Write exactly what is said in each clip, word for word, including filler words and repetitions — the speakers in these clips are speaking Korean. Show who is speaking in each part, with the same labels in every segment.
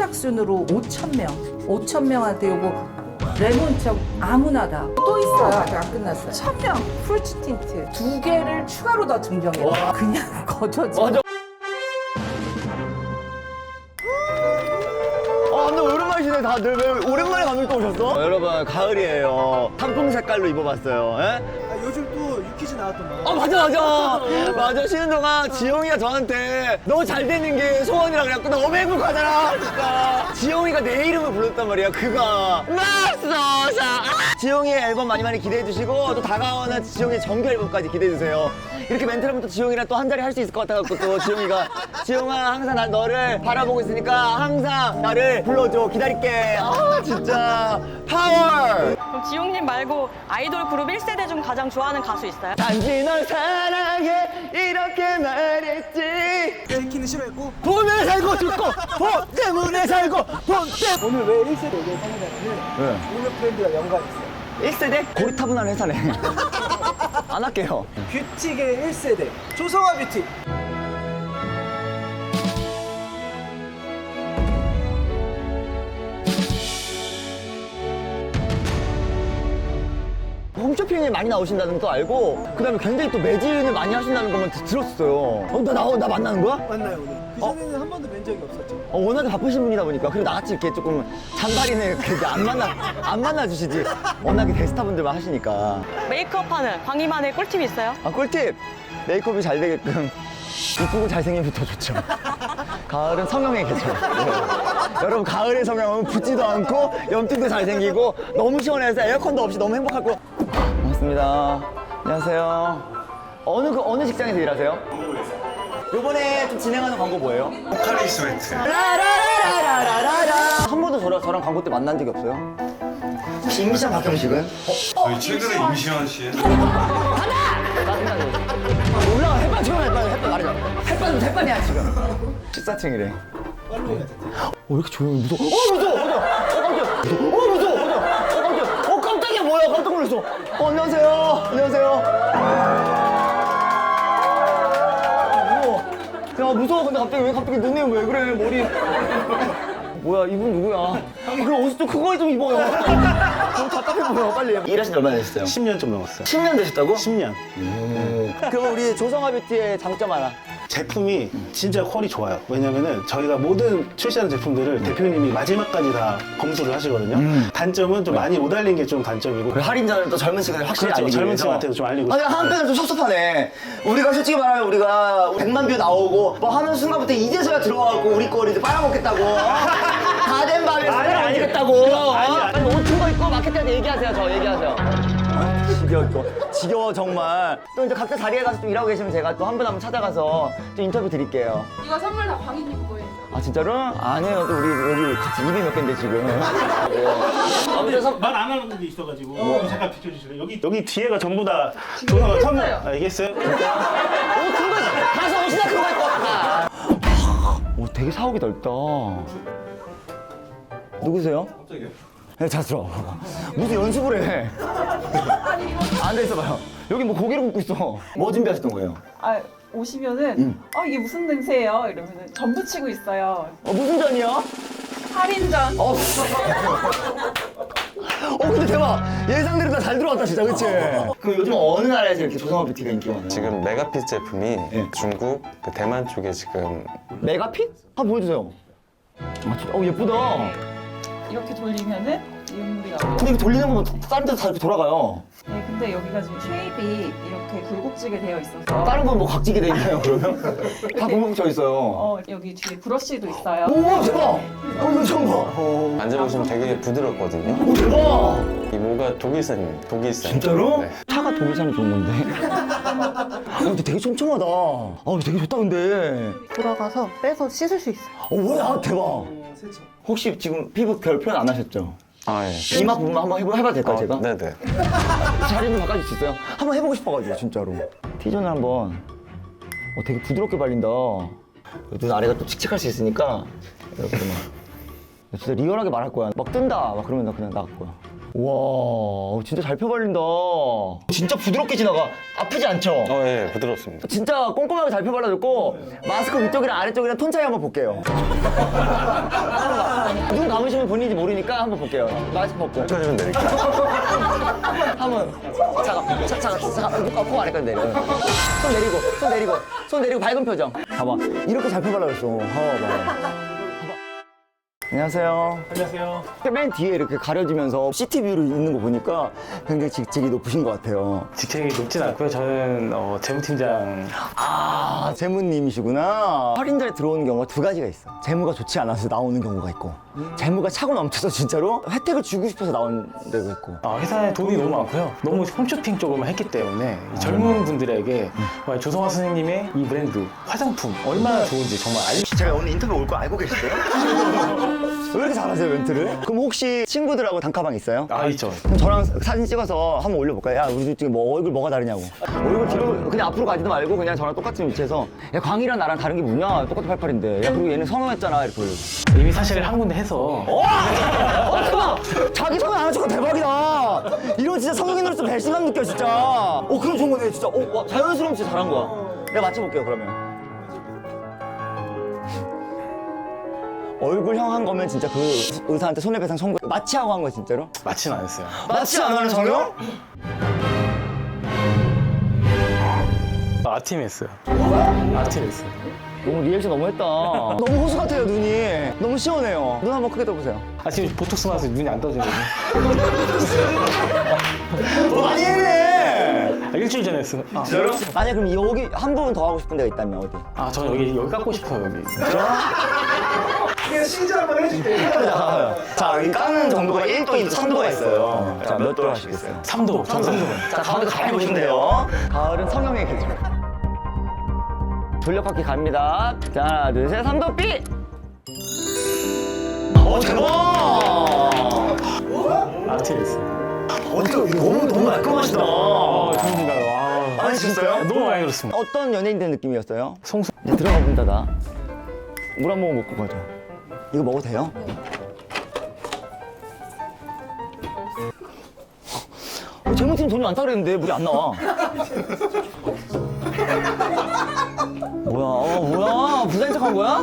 Speaker 1: 선착순으로 오천 명, 오천 명한테 요거 레몬즙 아무나다. 또 있어요. 아직 안 끝났어요. 천 명 풀치 틴트 두 개를 추가로 더 증정해요. 그냥 거저지.
Speaker 2: 맞아. 아, 근데 오랜만이시네, 다들. 왜 오랜만에 감독 또 오셨어? 어, 여러분, 가을이에요. 단풍 색깔로 입어봤어요. 예?
Speaker 3: 아, 요즘 또 유퀴즈 나왔던 거.
Speaker 2: 어, 맞아, 맞아. 맞아. 쉬는 동안 지영이가 저한테 너 잘 되는 게 소원이라 그래갖고 너무 행복하잖아, 진짜. 지영이가 내 이름을 불렀단 말이야, 그가. 맙소사. 아! 지영이의 앨범 많이 많이 기대해주시고, 또 다가오는 지영이의 정규 앨범까지 기대해주세요. 이렇게 멘트를 하면 또 지영이랑 또 한 자리 할 수 있을 것 같아갖고, 또 지영이가. 지영아, 항상 난 너를 바라보고 있으니까 항상 나를 불러줘. 기다릴게. 아, 진짜. 파워!
Speaker 4: 그럼 지용님 말고 아이돌 그룹 일 세대 중 가장 좋아하는 가수 있어요?
Speaker 2: 단지 널 사랑해 이렇게 말했지.
Speaker 3: 땡키는 싫어했고.
Speaker 2: 돈을 살고 죽고 돈 때문에 살고 돈 때문에.
Speaker 3: 오늘 왜 일 세대 얘기를 하느냐면
Speaker 2: 네.
Speaker 3: 오늘 브랜드가 연관이 있어요.
Speaker 2: 일 세대? 고리타분한 회사네. 안 할게요.
Speaker 3: 뷰티계 일 세대 조성아 뷰티.
Speaker 2: 홈쇼핑에 많이 나오신다는 것도 알고, 그 다음에 굉장히 또 매진을 많이 하신다는 것만 드- 들었어요. 어, 나, 나, 나 만나는 거야?
Speaker 3: 만나요 오늘. 그 전에는 한 번도 뵌 적이 없었죠.
Speaker 2: 어, 워낙에 바쁘신 분이다 보니까. 그리고 나같이 이렇게 조금 잔바리는 이렇게 안 만나, 안 만나주시지. 워낙에 대스타분들만 하시니까.
Speaker 4: 메이크업하는 광희만의 꿀팁 있어요?
Speaker 2: 아, 꿀팁! 메이크업이 잘 되게끔 이쁘고 잘생기면 더 좋죠. 가을은 성형의 계절. 네. 여러분, 가을의 성형은 붓지도 않고 염증도 잘생기고 너무 시원해서 에어컨도 없이 너무 행복할 거. 반갑습니다. 안녕하세요. 어느 그 어느 직장에서 일하세요? 요번에 좀 진행하는 광고 뭐예요?
Speaker 5: 포카리 스웨트.
Speaker 2: 라라라라라라라. 한 번도 저랑, 저랑 광고 때 만난 적이 없어요? 혹시 임시장 박경식은?
Speaker 5: 저희 최근에 임시완 씨의
Speaker 2: 올라가. 햇반 지금 햇반 햇반 말이야. 햇반 햇반이야 지금. 십사층이래.
Speaker 3: 팔로우가
Speaker 2: 어, 왜 이렇게 조용해? 무서워. 어, 무서워. 무서워. 어, 깜짝이야. 어, 무서워. 무서워. 어, 깜짝이야. 어, 깜짝이야. 뭐야? 깜짝 놀랐어. 어, 안녕하세요. 안녕하세요. 무서워. 야, 무서워. 근데 갑자기 왜 갑자기 눈에 왜 그래? 머리. 뭐야, 이분 누구야? 그럼 옷 좀 큰 거 좀 입어요. 너무 답답해 보여. 빨리. 일하신 지 얼마나 되셨어요?
Speaker 6: 십 년 좀 넘었어요.
Speaker 2: 십 년 되셨다고?
Speaker 6: 십 년.
Speaker 2: 그럼 우리 조성아 뷰티의 장점 하나.
Speaker 6: 제품이 진짜 퀄이 좋아요. 왜냐면은 저희가 모든 출시하는 제품들을 대표님이 마지막까지 다 검수를 하시거든요. 단점은 좀 많이 못 알린 게 좀 단점이고.
Speaker 2: 그 할인자는 또 젊은 층한테 확실히
Speaker 6: 그렇죠.
Speaker 2: 알리기
Speaker 6: 젊은
Speaker 2: 위해서.
Speaker 6: 층한테도 좀 알리고
Speaker 2: 아니,
Speaker 6: 싶어요.
Speaker 2: 한편은 좀 섭섭하네. 우리가 솔직히 말하면 우리가 백만 뷰 나오고 뭐 하는 순간부터 이제서야 들어와갖고 우리 거를 이제 빨아먹겠다고. 다 된 밤에
Speaker 6: 아니, 아니.
Speaker 2: 빨아먹겠다고.
Speaker 6: 아니, 아니.
Speaker 2: 빨리 옷 큰 거 입고 마케팅한테 얘기하세요. 저 얘기하세요. 아, 지겨워, 이거. 지겨워, 정말. 또 이제 각자 자리에 가서 좀 일하고 계시면 제가 또 한 분 한 분 찾아가서 좀 인터뷰 드릴게요.
Speaker 7: 이거 선물 다 광희님 거예요.
Speaker 2: 아, 진짜로? 아니에요. 또 우리 여기 같이 입이 몇 갠데, 지금. 네. 아무튼 선-
Speaker 6: 말 안 하는 게 있어가지고 잠깐 비켜주실래요? 여기 여기 뒤에가 전부 다 조사가 선물. 아, 얘기했어요?
Speaker 2: 옷 큰 거, 가서 옷이나 큰 거 입고 왔다. 오, 되게 사옥이 넓다. 누구세요?
Speaker 5: 깜짝이야.
Speaker 2: 네, 자, 들어. 무슨 연습을 해. 앉아 있어봐요. 여기 뭐 고기를 굽고 있어. 뭐 준비하셨던 거예요?
Speaker 8: 아 오시면은 어 이게 무슨 냄새예요? 이러면은 전 부치고 있어요.
Speaker 2: 어, 무슨 전이요?
Speaker 8: 할인전.
Speaker 2: 어, 어, 근데 대박. 예상대로 다 잘 들어왔다, 진짜, 그치? 그럼 요즘 어느 나라에서 이렇게 조성아 뷰티가 인기가 많아요?
Speaker 9: 지금 메가핏 제품이 중국, 그 대만 쪽에 지금
Speaker 2: 메가핏? 한번 보여주세요. 아, 진짜, 어, 예쁘다.
Speaker 8: 이렇게 돌리면은 이음물이 나와요.
Speaker 2: 근데 이거 돌리는 거면 다른 데도 다 이렇게 돌아가요.
Speaker 8: 네, 근데 여기가 지금 쉐입이 이렇게 굴곡지게 되어 있어서
Speaker 2: 다른 건 뭐 각지게 돼 있나요, 그러면? 다 굴곡져 있어요.
Speaker 8: 어 여기 뒤에 브러쉬도 있어요.
Speaker 2: 오, 대박! 어, 이거 처음 봐.
Speaker 9: 만져보시면 되게 부드럽거든요.
Speaker 2: 오, 대박!
Speaker 9: 이 모가 독일산, 독일산.
Speaker 2: 진짜로?
Speaker 9: 네.
Speaker 2: 차가 독일산이 좋은 건데. 어, 근데 되게 촘촘하다. 아, 되게 좋다, 근데.
Speaker 7: 돌아가서 빼서 씻을 수 있어요.
Speaker 2: 어, 뭐야, 대박.
Speaker 3: 세차.
Speaker 2: 혹시 지금 피부 결 표현 안 하셨죠?
Speaker 9: 아, 예.
Speaker 2: 이마 부분 한번 해봐, 해봐도 될까요,
Speaker 9: 어,
Speaker 2: 제가?
Speaker 9: 네네.
Speaker 2: 자리 좀 바꿔줄 수 있어요? 한번 해보고 싶어가지고, 진짜로. T존을 한번. 어, 되게 부드럽게 발린다. 눈 아래가 또 칙칙할 수 있으니까, 이렇게 막. 진짜 리얼하게 말할 거야. 막 뜬다. 막 그러면 나 그냥 나갈 거야. 와, 진짜 잘 펴발린다. 진짜 부드럽게 지나가. 아프지 않죠?
Speaker 9: 어, 예, 부드럽습니다.
Speaker 2: 진짜 꼼꼼하게 잘 펴발라줬고 마스크 위쪽이랑 아래쪽이랑 톤 차이 한번 볼게요. 맞추면 본인인지 모르니까 한번 볼게요. 마스크 벗고.
Speaker 9: 여기까지 면 내릴게요.
Speaker 2: 한번 잠깐 자, 잠깐 잠깐 코 안에까지 내려. 손 내리고 손 내리고 손 내리고 밝은 표정. 봐봐 이렇게 잘 펴발라 그랬어. 봐봐. 안녕하세요.
Speaker 6: 안녕하세요.
Speaker 2: 맨 뒤에 이렇게 가려지면서 시티뷰로 있는 거 보니까 굉장히 직책이 높으신 것 같아요.
Speaker 6: 직책이 높진 않고요. 저는 어, 재무팀장.
Speaker 2: 아, 재무님이시구나. 할인전에 들어오는 경우가 두 가지가 있어. 재무가 좋지 않아서 나오는 경우가 있고, 재무가 차고 넘쳐서 진짜로 혜택을 주고 싶어서 나온 데가 있고.
Speaker 6: 아, 회사에 돈이 너무 많고요. 너무 홈쇼핑 쪽으로만 했기 때문에 이 젊은 분들에게 정말 조성화 선생님의 이 브랜드 화장품 얼마나 좋은지 정말 알.
Speaker 2: 제가 오늘 인터뷰 올 거 알고 계시대요? 왜 이렇게 잘하세요, 멘트를? 그럼 혹시 친구들하고 단카방 있어요?
Speaker 6: 아, 있죠.
Speaker 2: 그럼 저랑 사진 찍어서 한번 올려볼까요? 야, 우리 지금 뭐 얼굴 뭐가 다르냐고. 얼굴 뒤로 그냥 앞으로 가지도 말고 그냥 저랑 똑같은 위치에서 야, 광희랑 나랑 다른 게 뭐냐? 똑같은 팔팔인데. 야, 그리고 얘는 성형했잖아. 이렇게 올려.
Speaker 6: 이미 사실 한 군데 해서
Speaker 2: 어, 대박! 자기 성형 안 하는 거 대박이다. 이런 진짜 성형인으로서 배신감 느껴, 진짜. 어, 그럼 좋은 거네, 진짜. 어, 와, 자연스러움 진짜 잘한 거야. 내가 맞춰볼게요, 그러면. 얼굴형 한 거면 진짜 그 의사한테 손해배상 청구 마취하고 한 거야 진짜로?
Speaker 6: 마치는 안 했어요.
Speaker 2: 마취 안 하는 성형?
Speaker 6: 아팀 했어요. 아팀 했어요.
Speaker 2: 너무 리액션 너무 했다. 너무 호수 같아요 눈이. 너무 시원해요. 눈 한번 크게 떠보세요.
Speaker 6: 아, 지금 보톡스 맞아서 눈이 안 떠지거든요.
Speaker 2: 어, 많이 했네.
Speaker 6: 아, 일주일 전에 했어요. 아,
Speaker 2: 만약 그럼 여기 한 부분 더 하고 싶은 데가 있다면 어디?
Speaker 6: 아, 저는 여기 여기 깎고 싶어요, 여기.
Speaker 3: 그냥 신자 한번 해줄게요.
Speaker 2: 자 여기 까는 정도가 일 도인 삼 도가 있어요. 자 몇 도로 하시겠어요?
Speaker 6: 삼 도, 전 삼 도.
Speaker 2: 자 가운데 잘 보시면 돼요. 가을은 성형의 계절. 돌려깎기 갑니다. 자 하나 둘 셋 삼 도 삐. 어 대박.
Speaker 6: 아팀 했어요.
Speaker 2: 어떻게 너무 너무 깔끔하시다.
Speaker 6: 어, 좋은가요? 아,
Speaker 2: 아니 진짜요?
Speaker 6: 너무 많이 들었습니다.
Speaker 2: 어떤 연예인들 느낌이었어요?
Speaker 6: 송수.
Speaker 2: 이제 들어가 본다 나. 물 한 모금 먹고 가자. 이거 먹어도 돼요? 어, 재무팀 돈이 많다 그랬는데 물이 안 나와. 뭐야? 어, 뭐야? 부자인 척한 거야?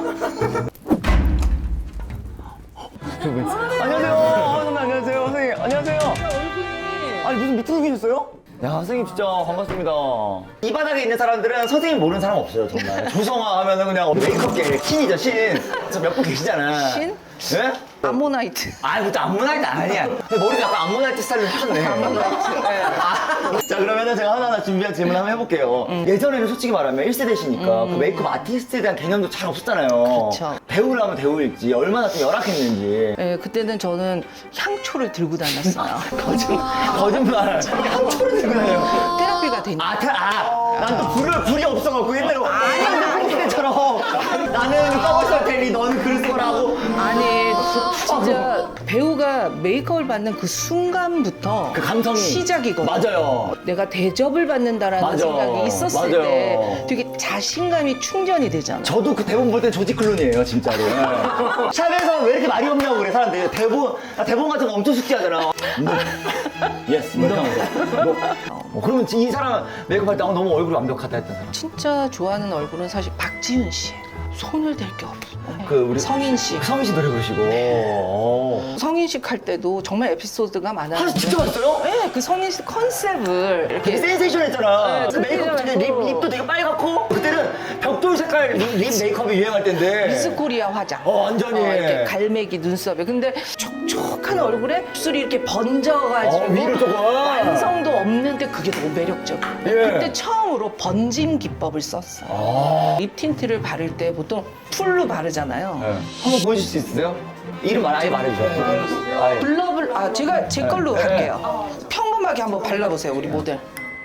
Speaker 2: 저기. 안녕하세요. 어, 선생님 안녕하세요. 선생님 안녕하세요. 아니 무슨 미팅이셨어요? 야 선생님 진짜 반갑습니다. 이 바닥에 있는 사람들은 선생님 모르는 사람 없어요 정말. 조성아 하면은 그냥 메이크업계 신이죠 신. 저 몇 분 계시잖아.
Speaker 1: 신?
Speaker 2: 예?
Speaker 1: 아모나이트.
Speaker 2: 아이 그것도 암모나이트 아니야. 근데 머리도 약간 암모나이트 스타일로 하셨네. 암모나이트. 아, 자 그러면은 제가 하나하나 준비한 질문 한번 해볼게요. 예전에는 솔직히 말하면 일 세대시니까 그 메이크업 아티스트에 대한 개념도 잘 없었잖아요.
Speaker 1: 그쵸.
Speaker 2: 배우를 하면 배우일지 얼마나 좀 열악했는지.
Speaker 1: 예, 그때는 저는 향초를 들고 다녔어요.
Speaker 2: 거짓, 거짓말. 향초를 들고 다녀요.
Speaker 1: 테라피가 되니까.
Speaker 2: 아, 태, 아, 난 또 불을, 불이 없어갖고 옛날에 아니, 그때처럼 나는 떡을 썰 테니 너는 글을 써라고.
Speaker 1: 아니, 진짜 배우가 메이크업을 받는 그 순간부터
Speaker 2: 그 감성이.
Speaker 1: 시작이거든.
Speaker 2: 맞아요.
Speaker 1: 내가 대접을 받는다라는
Speaker 2: 맞아.
Speaker 1: 생각이 있었을
Speaker 2: 맞아요.
Speaker 1: 때 되게 자신감이 충전이 되잖아.
Speaker 2: 저도 그 대본 볼 때 조지 클룬이에요, 진짜로. 네. 샵에서 왜 이렇게 말이 없냐고 그래, 사람들이. 대본, 나 대본 같은 거 엄청 숙지하잖아. 예스, 뭐 이런 거. 어, 그러면 이 사람 메이크업 할 때 어, 너무 얼굴이 완벽하다 했던 사람.
Speaker 1: 진짜 좋아하는 얼굴은 사실 박지윤 씨. 손을 댈 게 없어.
Speaker 2: 그 우리
Speaker 1: 성인식.
Speaker 2: 성인 씨 노래 부르시고. 어.
Speaker 1: 성인식 할 때도 정말 에피소드가 많아요.
Speaker 2: 아, 진짜 맛있어요?
Speaker 1: 네, 그 성인식 컨셉을
Speaker 2: 되게
Speaker 1: 이렇게
Speaker 2: 센세이션했잖아.
Speaker 1: 네,
Speaker 2: 그 메이크업 되게 립, 립도 되게 빨갛고 그때는 벽돌 색깔 립, 립 메이크업이 유행할 때인데.
Speaker 1: 미스코리아 화장.
Speaker 2: 어, 완전히.
Speaker 1: 이렇게 갈매기 눈썹에. 근데 촉촉한 얼굴에 입술이 이렇게 번져가지고
Speaker 2: 어, 위로 조금.
Speaker 1: 완성도 없는데 그게 너무 매력적이야.
Speaker 2: 예.
Speaker 1: 그때 처음으로 번짐 기법을 썼어.
Speaker 2: 아.
Speaker 1: 립 틴트를 바를 때 보통 풀로 바르잖아요.
Speaker 2: 네. 한번 보여줄 수 있으세요? 이름 말 아예 말해주세요. 아예.
Speaker 1: 블러블 아 제가 제 걸로
Speaker 2: 네.
Speaker 1: 할게요. 평범하게 한번 발라보세요 우리 모델.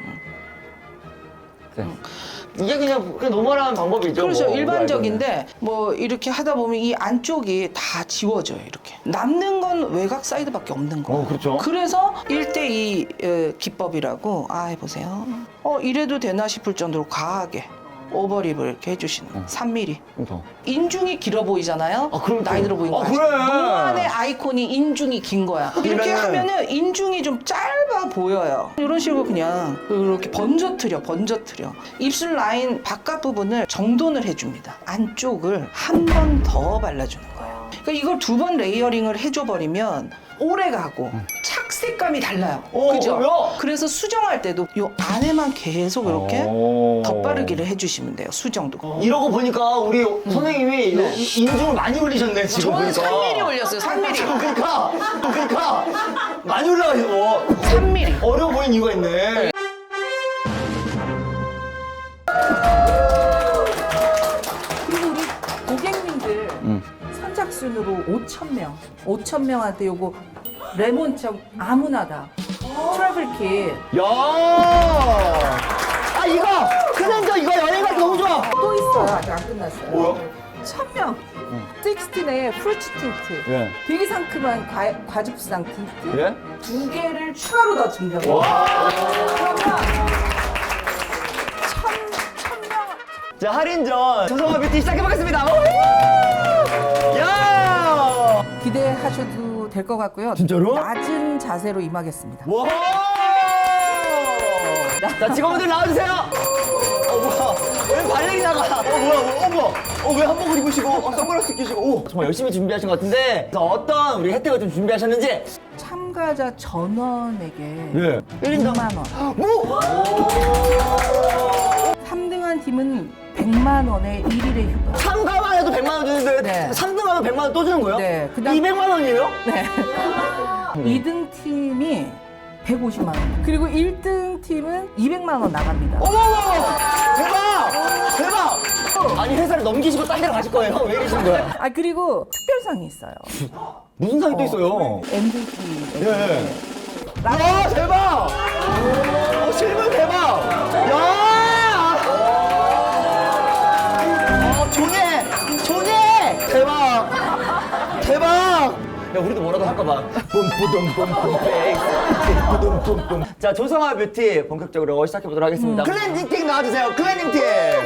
Speaker 2: 네. 이게 그냥, 그냥 노멀한 방법이죠.
Speaker 1: 그렇죠.
Speaker 2: 뭐.
Speaker 1: 일반적인데 뭐 이렇게 하다 보면 이 안쪽이 다 지워져요. 이렇게 남는 건 외곽 사이드밖에 없는 거예요.
Speaker 2: 어, 그렇죠.
Speaker 1: 그래서 일 대 이 기법이라고 아 해보세요. 어 이래도 되나 싶을 정도로 과하게 오버립을 이렇게 해주시는 거예요. 삼 밀리미터.
Speaker 2: 그래서.
Speaker 1: 인중이 길어 보이잖아요.
Speaker 2: 아, 그럼
Speaker 1: 나이
Speaker 2: 또-
Speaker 1: 들어 보이는
Speaker 2: 아,
Speaker 1: 거 아시죠?
Speaker 2: 그래.
Speaker 1: 노안의 아이콘이 인중이 긴 거야. 이렇게
Speaker 2: 그러면은-
Speaker 1: 하면은 인중이 좀 짧아 보여요. 이런 식으로 그냥 이렇게 번져트려, 번져트려. 입술 라인 바깥 부분을 정돈을 해줍니다. 안쪽을 한 번 더 발라주는 거예요. 그러니까 이걸 두 번 레이어링을 해줘 버리면 오래 가고 착색감이 달라요.
Speaker 2: 어,
Speaker 1: 그죠?
Speaker 2: 그래요?
Speaker 1: 그래서 수정할 때도 요 안에만 계속 이렇게
Speaker 2: 오.
Speaker 1: 덧바르기를 해주시면 돼요. 수정도.
Speaker 2: 이러고 보니까 우리 선생님이
Speaker 1: 네.
Speaker 2: 이- 인중을 많이 올리셨네 지금
Speaker 1: 저는
Speaker 2: 보니까.
Speaker 1: 삼 밀리미터 올렸어요. 삼 밀리미터.
Speaker 2: 그러니까 그러니까 많이 올라가시고
Speaker 1: 삼 밀리미터.
Speaker 2: 어려워 보이는 이유가 있네.
Speaker 1: 그리고 우리 고객님들 선착순으로 오천 명, 오천 명한테 요거 레몬청 아무나 다 트래블 킷.
Speaker 2: 야, 아 이거 클렌저 이거 여행 갈 때 너무 좋아.
Speaker 1: 또 있어요. 아직 안 끝났어요.
Speaker 2: 뭐야?
Speaker 1: 천 명. 식스틴의 프루치 틴트.
Speaker 2: 예.
Speaker 1: 되게 상큼한 과, 과즙상 틴트.
Speaker 2: 예?
Speaker 1: 두 개를 추가로 더 증정해요.
Speaker 2: 와.
Speaker 1: 그러면 천, 천 명.
Speaker 2: 자 할인전 조성아 뷰티 시작해보겠습니다. 오! 야!
Speaker 1: 기대하셔도 될 것 같고요.
Speaker 2: 진짜로?
Speaker 1: 낮은 자세로 임하겠습니다.
Speaker 2: 와! 자 직원분들 나와주세요. 어 뭐야? 왜 발레리 나가? 어 뭐야? 어 뭐야? 어왜 한복을 입으시고 어, 선글라스 끼시고? 오 정말 열심히 준비하신 것 같은데 그래서 어떤 우리 혜택을 좀 준비하셨는지?
Speaker 1: 참가자 전원에게
Speaker 2: 예. 일 인당
Speaker 1: 백만 원.
Speaker 2: 뭐?
Speaker 1: 삼 등한 팀은 백만 원의 일 일의 휴가.
Speaker 2: 참가만 해도 백만 원 주는데
Speaker 1: 네.
Speaker 2: 삼 등 하면 백만 원 또 주는 거예요?
Speaker 1: 네, 그다음-
Speaker 2: 이백만 원이에요?
Speaker 1: 네. 이 등 팀이 백오십만 원. 그리고 일 등 팀은 이백만 원 나갑니다.
Speaker 2: 어머머! 대박! 대박! 아니 회사를 넘기시고 딴 데로 가실 거예요? 왜 이러시는 거야?
Speaker 1: 아 그리고 특별상이 있어요.
Speaker 2: 무슨 상이 또 있어요?
Speaker 1: 엠브이피.
Speaker 2: 예. 야 대박! 어, 실물 대박! 야! 어, 조네! 조네! 대박! 대박! 야 우리도 뭐라도 할까 봐. 뿜뿌dum뿜뿜 뿌dum뿜뿜. 자 조성아 뷰티 본격적으로 시작해 보도록 하겠습니다. 클렌징 틱 나와주세요. 클렌징 틱.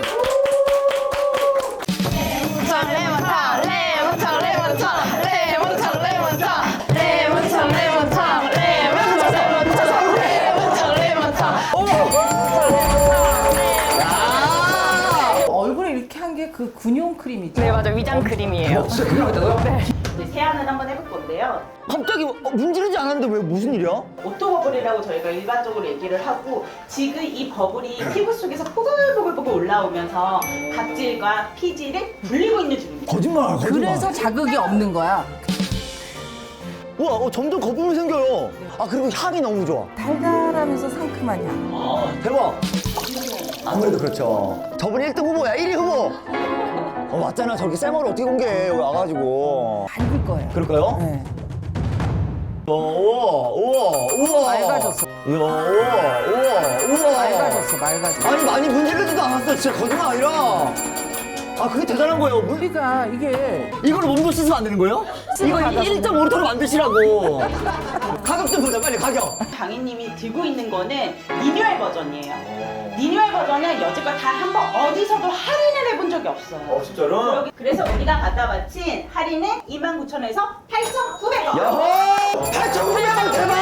Speaker 1: 얼굴에 이렇게 한 게 그 군용 크림이죠.
Speaker 4: 네, 맞아요. 위장 크림이에요.
Speaker 2: 진짜 그거 있다고요?
Speaker 8: 이제 세안을 한번 해볼 건데요.
Speaker 2: 갑자기 어, 문지르지 않았는데 왜 무슨 일이야?
Speaker 8: 오토버블이라고 저희가 일반적으로 얘기를 하고 지금 이 버블이 피부 속에서 보글보글보글 올라오면서 각질과 피지를 불리고 있는 중입니다.
Speaker 2: 거짓말,
Speaker 1: 그래서 자극이 없는 거야.
Speaker 2: 우와, 어, 점점 거품이 생겨요. 아, 그리고 향이 너무 좋아.
Speaker 1: 달달하면서 상큼한 향.
Speaker 2: 아, 대박. 아무래도 그렇죠. 저분 일 등 후보야, 일 위 후보. 어, 맞잖아. 저렇게 쌩얼을 어떻게 공개해, 여기 와가지고.
Speaker 1: 밝을 거예요.
Speaker 2: 그럴까요?
Speaker 1: 네.
Speaker 2: 우와, 우와, 우와, 우와.
Speaker 1: 맑아졌어.
Speaker 2: 이야, 우와, 우와, 우와.
Speaker 1: 맑아졌어, 맑아졌어.
Speaker 2: 아니, 많이 문지르지도 않았어. 진짜 거짓말 아니라. 아, 그게 대단한 거예요. 문-
Speaker 1: 우리가 이게
Speaker 2: 이걸로 몸도 씻으면 안 되는 거예요? 이거 일 점 오 리터로 만드시라고. 가격 좀 보자, 빨리 가격.
Speaker 8: 강희님이 들고 있는 거는 리뉴얼 버전이에요. 리뉴얼 버전은 여지껏 단 한 번 어디서도 할인을 해본 적이 없어요.
Speaker 2: 진짜로?
Speaker 8: 그래서 우리가 갖다 바친 할인은 이만 구천 원에서 팔천구백 원.
Speaker 2: 야호! 팔천구백 원 대박!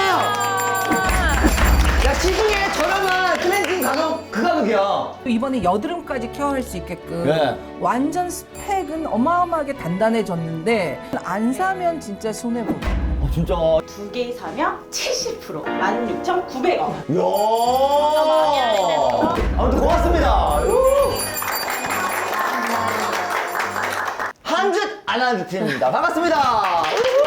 Speaker 2: 야, 시중에 저렴한 클렌징 가격 그 가격이야.
Speaker 1: 이번에 여드름까지 케어할 수 있게끔
Speaker 2: 네.
Speaker 1: 완전 스펙은 어마어마하게 단단해졌는데 안 사면 진짜 손해보고.
Speaker 2: 어, 진짜.
Speaker 8: 두 개 사면 칠십 퍼센트 만 육천구백 원.
Speaker 2: 이야. 아무튼 고맙습니다. 한짓 안한짓 팀입니다. 반갑습니다.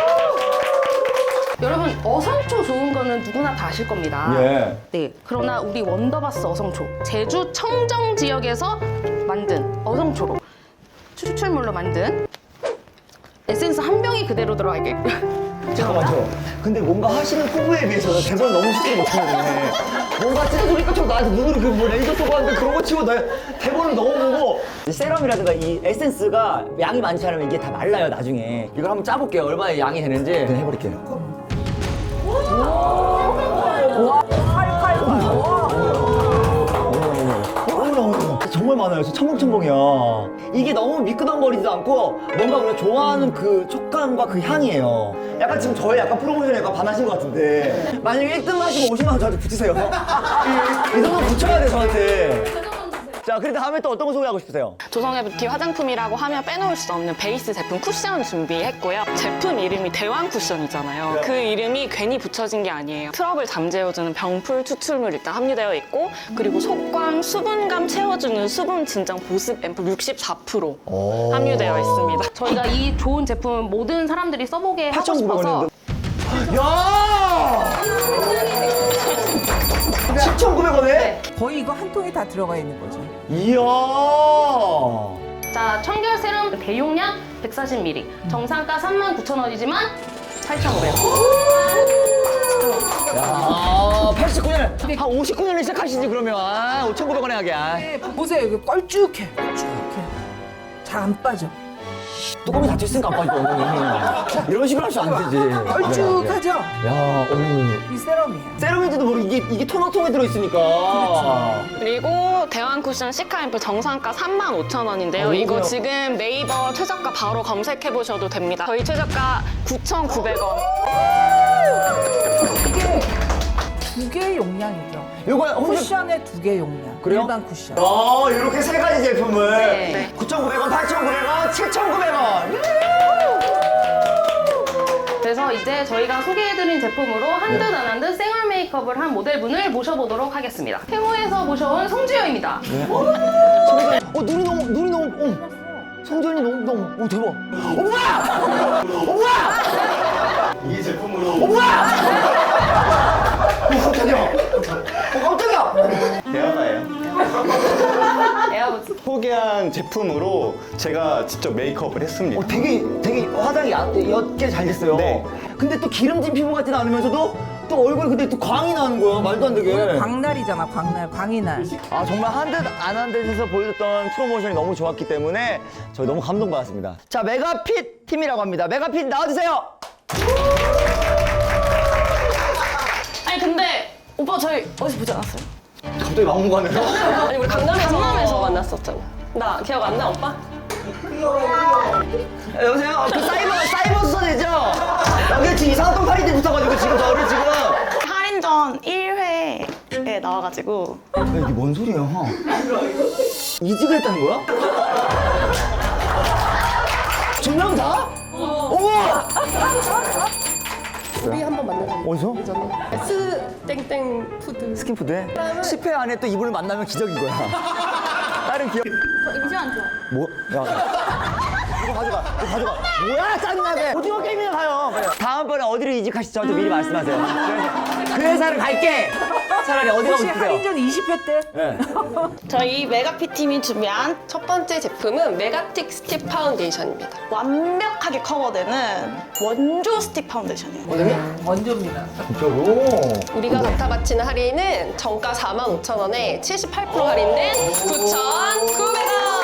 Speaker 10: 여러분 어성초 좋은 거는 누구나 다 아실 겁니다.
Speaker 2: 예.
Speaker 10: 네. 그러나 우리 원더바스 어성초 제주 청정 지역에서 만든 어성초로 추출물로 만든 에센스 한 병이 그대로 들어가 있게.
Speaker 2: 잠깐만요. 근데 뭔가 하시는 포부에 비해서 대본 너무 쉽게 못하네. 뭔가 찢어주니까 저 나한테 눈으로 그 뭐 레이저 쏘고 하는데 그런 거 치고 나 대본을 너무 보고 세럼이라든가 이 에센스가 양이 많지 않으면 이게 다 말라요 나중에. 이걸 한번 짜볼게요. 얼마나 양이 되는지 해버릴게요. 어머나, 정말 많아요. 진짜 첨벙첨벙이야. 이게 너무 미끄덩거리지도 않고 뭔가 우리가 좋아하는 그 촉감과 그 향이에요. 약간 지금 저의 약간 프로모션에 약간 반하신 것 같은데 만약에 일 등 하시고 오십만 원 저한테 붙이세요. 이, 이 정도 붙여야 돼 저한테. 자, 그래도 다음에 또 어떤 거 소개하고 싶으세요?
Speaker 4: 조성애 뷰티 화장품이라고 하면 빼놓을 수 없는 베이스 제품 쿠션 준비했고요. 제품 이름이 대왕 쿠션이잖아요. 그 이름이 괜히 붙여진 게 아니에요. 트러블 잠재워주는 병풀 추출물 일단 함유되어 있고, 그리고 속광 수분감 채워주는 수분 진정 보습 앰플 육십사 퍼센트 함유되어 있습니다.
Speaker 10: 저희가 이 좋은 제품을 모든 사람들이 써보게 하고 싶어서
Speaker 2: 야! 칠천구백 원에?
Speaker 1: 거의 이거 한 통이 다 들어가 있는 거죠.
Speaker 2: 이야!
Speaker 10: 자, 청결 세럼 대용량 백사십 밀리리터, 정상가 삼만 구천 원이지만 팔천오백 원.
Speaker 2: 야, 팔십구 년, 한 오십구 년에 시작하시지, 그러면. 아, 오천구백 원에 하게. 아.
Speaker 1: 보세요, 이거 껄쭉해. 껄쭉해. 잘 안 빠져.
Speaker 2: 뚜껑이 닫혀있으니까 안 빠져, 엉덩이. 이런 식으로 하시면 안 되지.
Speaker 1: 껄쭉하죠?
Speaker 2: 야, 어머.
Speaker 1: 이 세럼이에요.
Speaker 2: 세럼인지도 모르고 이게, 이게 토너통에 들어있으니까.
Speaker 4: 그리고 대왕 쿠션 시카 앰플 정상가 삼만 오천 원인데요.
Speaker 2: 어,
Speaker 4: 이거
Speaker 2: 그래요?
Speaker 4: 지금 네이버 최저가 바로 검색해 보셔도 됩니다. 저희 최저가 구천구백 원.
Speaker 1: 이게 두 개의 용량이죠.
Speaker 2: 요거 혹시
Speaker 1: 쿠션의 두 개 용량.
Speaker 2: 그래요?
Speaker 1: 일반 쿠션.
Speaker 2: 어, 이렇게 세 가지 제품을
Speaker 10: 네.
Speaker 2: 구천구백 원, 팔천구백 원, 칠천구백 원.
Speaker 10: 그래서 이제 저희가 소개해드린 제품으로 한 듯 안 한 듯 생얼 메이크업을 한 모델분을 모셔보도록 하겠습니다. 태모에서 모셔온 송지효입니다.
Speaker 2: 어, 눈이 너무, 눈이 너무, 어. 성전이 너무, 너무, 오, 대박. 엄마! 엄마!
Speaker 6: 이 제품으로
Speaker 2: 엄마! 어, 깜짝이야. 어, 깜짝이야.
Speaker 6: 대화가예요.
Speaker 10: 에어부츠.
Speaker 6: 소개한 제품으로 제가 직접 메이크업을 했습니다.
Speaker 2: 어, 되게, 되게 화장이 야- 옅게 잘 됐어요.
Speaker 6: 네.
Speaker 2: 근데 또 기름진 피부 같진 않으면서도 또 얼굴에 근데 또 광이 나는 거야. 말도 안 되게.
Speaker 1: 광날이잖아, 광날, 광이날.
Speaker 2: 아, 정말 한 듯 안 한 듯에서 보여줬던 프로모션이 너무 좋았기 때문에 저희 너무 감동받았습니다. 자, 메가핏 팀이라고 합니다. 메가핏 나와주세요.
Speaker 4: 아니 근데 오빠 저희 어디서 보지 않았어요?
Speaker 2: 갑자기 막무가내로.
Speaker 4: 아니 우리 강남에서, 강남에서 만났었잖아. 나 기억 안 나 오빠?
Speaker 2: 여보세요? 그 사이버, 사이버 수사대죠? 여기 지금 이상한 똥파리들 붙어가지고 지금 저를 지금.
Speaker 4: 할인전 일 회에 나와가지고
Speaker 2: 야, 이게 뭔 소리야? 이직을 했다는 거야? 두 명 다? 어머!
Speaker 10: 우리 한번 만나자.
Speaker 2: 어디서?
Speaker 10: 스 땡땡 푸드.
Speaker 2: 스킨푸드에? 십 회 안에 또 이분을 만나면 기적인 거야. 다른 기억.
Speaker 10: 이미지 안 좋아.
Speaker 2: 뭐? 야. 이거 가져가. 이거 가져가. 뭐야, 짜증나게. 오징어 게임이나 가요. 그래. 다음번에 어디로 이직하실지 저한테 미리 말씀하세요. 그래서 그 회사를 갈게. 차라리 어디 가고
Speaker 1: 혹시
Speaker 2: 싶으세요?
Speaker 1: 할인전 이십 회 때?
Speaker 2: 네.
Speaker 4: 저희 메가핏 팀이 준비한
Speaker 10: 첫 번째 제품은 메가틱 스틱 파운데이션입니다.
Speaker 4: 완벽하게 커버되는 원조 스틱 파운데이션이에요.
Speaker 1: 네, 원조입니다.
Speaker 2: 진짜로?
Speaker 10: 우리가 갖다 바치는 할인은 정가 사만 오천 원에 칠십팔 퍼센트 할인된 구천구백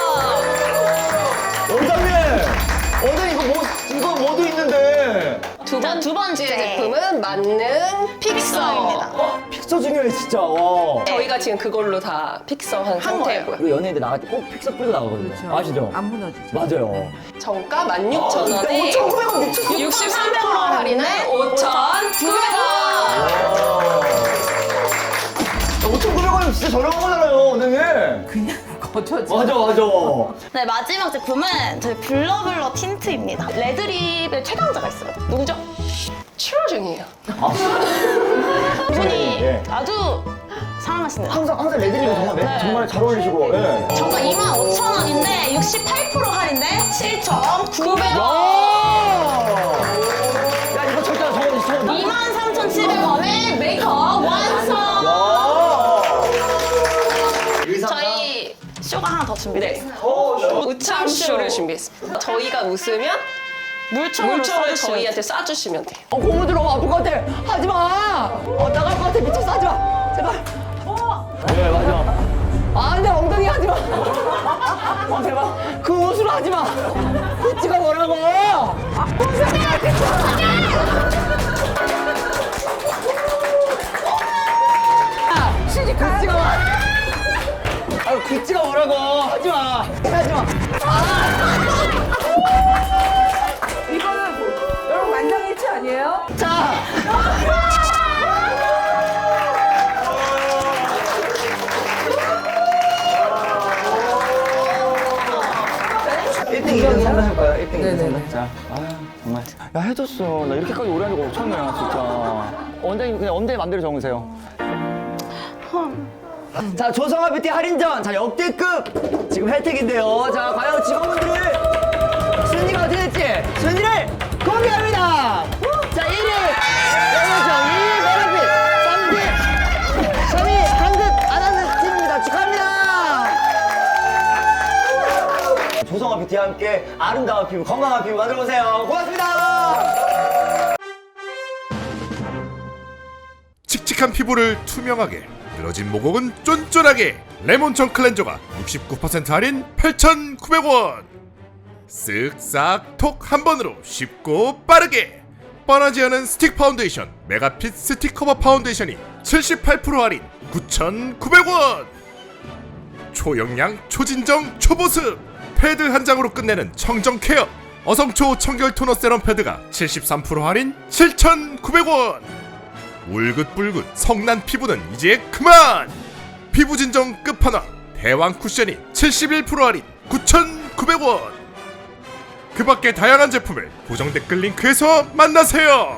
Speaker 10: 원!
Speaker 2: 원장님! 원장님 이거 뭐, 이거 뭐도 있는데.
Speaker 10: 두, 번, 두 번째 제품은 만능
Speaker 4: 픽서입니다.
Speaker 2: 픽서 중요해, 진짜. 와.
Speaker 10: 저희가 지금 그걸로 다 픽서한 상태고요.
Speaker 2: 우리 연예인들 나갈 때 꼭 픽서 뿌리고 나가거든요. 아시죠?
Speaker 1: 안 무너지죠.
Speaker 2: 맞아요.
Speaker 10: 정가 만 육천 원에
Speaker 2: 오천구백 원 미쳤어.
Speaker 10: 육십삼 퍼센트 할인은 오천구백 원!
Speaker 2: 오천구백 원이면 진짜 저렴한 거잖아요, 원장님.
Speaker 1: 그냥 거저지.
Speaker 2: 맞아, 맞아.
Speaker 4: 네, 마지막 제품은 저희 블러블러 틴트입니다. 레드립의 최강자가 있어요. 누구죠?
Speaker 10: 출하 중이에요.
Speaker 4: 이분이
Speaker 2: 예.
Speaker 4: 아주 사랑하시는
Speaker 2: 항상, 항상 레드립은 정말, 매-
Speaker 4: 네.
Speaker 2: 정말 잘 어울리시고. 예.
Speaker 4: 정가 이만 오천 원인데 육십팔 퍼센트 할인된 칠천구백 원!
Speaker 2: 야, 이거 절대 안 적어주시 저
Speaker 4: 이만 삼천칠백 원에 메이크업 완성! 저희 쇼가 하나 더 준비됐어요.
Speaker 10: 우참쇼를 준비했습니다. 저희가 웃으면
Speaker 4: 물총으로
Speaker 10: 물총을
Speaker 4: 써주시면
Speaker 10: 저희한테 쏴주시면 돼요.
Speaker 2: 어, 고무줄 너무 아플 것 같아. 하지 마. 어, 나갈 것 같아. 미쳤어. 하지 마. 제발. 네, 맞아. 아, 내 엉덩이 하지 마. 어, 제발. 그 옷으로 하지 마. 구찌가 뭐라고.
Speaker 1: 시집 가야 돼.
Speaker 2: 구찌가 뭐. 아, 구찌가 뭐라고. 하지 마. 하지 마.
Speaker 1: 이거는 뭐, 여러분 만장일치 아니에요?
Speaker 2: 자.
Speaker 1: 네네네.
Speaker 2: 자, 아 정말. 야 해줬어. 나 이렇게까지 오래 하는 거 처음이야 진짜. 원장님 그냥 원장님 맘대로 적으세요. 자 조성아 뷰티 할인전 자 역대급 지금 혜택인데요. 자 과연 직원분들을 순위가 어떻게 될지 순위를 공개합니다. 자 일 위 레몬청, 이 위 메라핏, 삼 위 한긋 안하는 팀입니다. 축하합니다. 조성아 뷰티와 함께 아름다운 피부 건강한 피부 만들어보세요. 고맙습니다.
Speaker 11: 칙칙한 피부를 투명하게, 늘어진 모공은 쫀쫀하게. 레몬청 클렌저가 육십구 퍼센트 할인 팔천구백 원. 쓱싹 톡 한 번으로 쉽고 빠르게. 뻔하지 않은 스틱 파운데이션 메가핏 스틱 커버 파운데이션이 칠십팔 퍼센트 할인 구천구백 원. 초영양 초진정 초보습 패드 한 장으로 끝내는 청정 케어 어성초 청결 토너 세럼 패드가 칠십삼 퍼센트 할인 칠천구백 원. 울긋불긋 성난 피부는 이제 그만! 피부 진정 끝판왕 대왕 쿠션이 칠십일 퍼센트 할인 구천구백 원. 그 밖에 다양한 제품을 고정 댓글 링크에서 만나세요.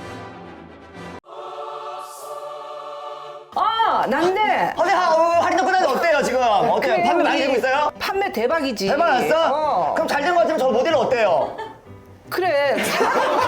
Speaker 1: 아, 난데.
Speaker 2: 어제 하, 어, 할인도 끝났는데 어때요 지금? 어때요?
Speaker 1: 그래,
Speaker 2: 판매 많이
Speaker 1: 우리
Speaker 2: 되고 있어요?
Speaker 1: 판매 대박이지.
Speaker 2: 대박 났어?
Speaker 1: 어.
Speaker 2: 그럼 잘 된 것 같으면 저 모델은 어때요?
Speaker 1: 그래.